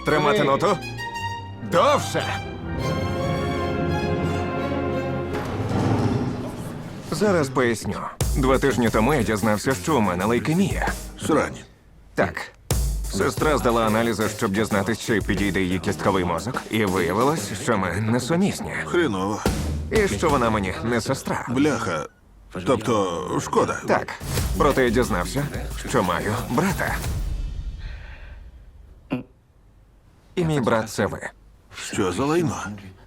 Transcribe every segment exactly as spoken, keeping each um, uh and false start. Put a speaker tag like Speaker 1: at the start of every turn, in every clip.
Speaker 1: Тримати ноту. Довше. Зараз поясню. Два тижні тому я дізнався, що у мене лейкемія.
Speaker 2: Срань.
Speaker 1: Так. Сестра здала аналізи, щоб дізнатися, чи підійде її кістковий мозок. І виявилось, що ми несумісні.
Speaker 2: Хреново.
Speaker 1: І що вона мені не сестра.
Speaker 2: Бляха. Тобто, шкода.
Speaker 1: Так. Проте я дізнався, що маю брата. І мій брат це ви.
Speaker 2: Що за лайно?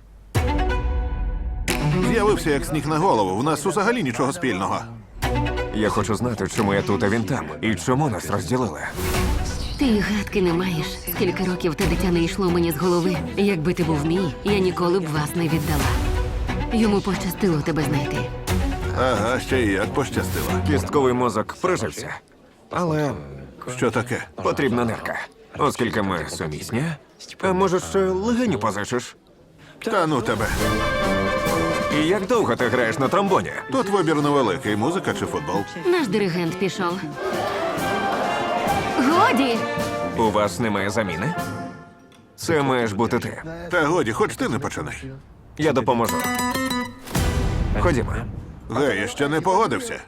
Speaker 2: З'явився як сніг на голову. В нас взагалі нічого спільного.
Speaker 1: Я хочу знати, чому я тут, а він там. І чому нас розділили.
Speaker 3: Ти й гадки не маєш. Скільки років те дитя не йшло мені з голови. Якби ти був мій, я ніколи б вас не віддала. Йому пощастило тебе знайти.
Speaker 2: Ага, ще й як пощастило.
Speaker 1: Кістковий мозок прижився. Але
Speaker 2: Що таке?
Speaker 1: потрібна нирка. Оскільки ми сумісні, а може ще легеню позичиш?
Speaker 2: Та ну тебе.
Speaker 1: І як довго ти граєш на тромбоні?
Speaker 2: Тут вибір невеликий. Музика чи футбол?
Speaker 3: Наш диригент пішов. Годі!
Speaker 1: У вас немає заміни? Це маєш бути ти.
Speaker 2: Та годі, хоч ти не починай.
Speaker 1: Я допоможу. Ходімо.
Speaker 2: Гей, я ще не погодився.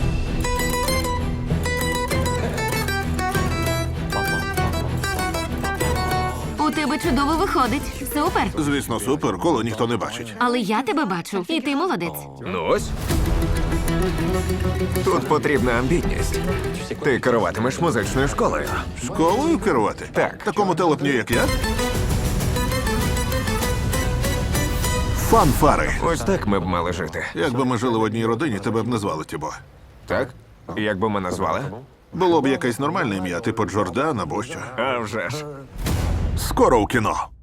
Speaker 3: У тебе чудово виходить. Супер.
Speaker 2: Звісно, супер, коли ніхто не бачить.
Speaker 3: Але я тебе бачу. І ти молодець.
Speaker 1: Ну ось. Тут потрібна амбітність. Ти керуватимеш музичною школою.
Speaker 2: Школою керувати?
Speaker 1: Так.
Speaker 2: Такому телепню, як я? Фанфари.
Speaker 1: Ось так ми б мали жити.
Speaker 2: Якби ми жили в одній родині, тебе б не звали Тібо.
Speaker 1: Так? Як би ми назвали?
Speaker 2: Було б якесь нормальне ім'я, типу Джордан або що.
Speaker 1: А вже ж.
Speaker 2: Скоро у кіно.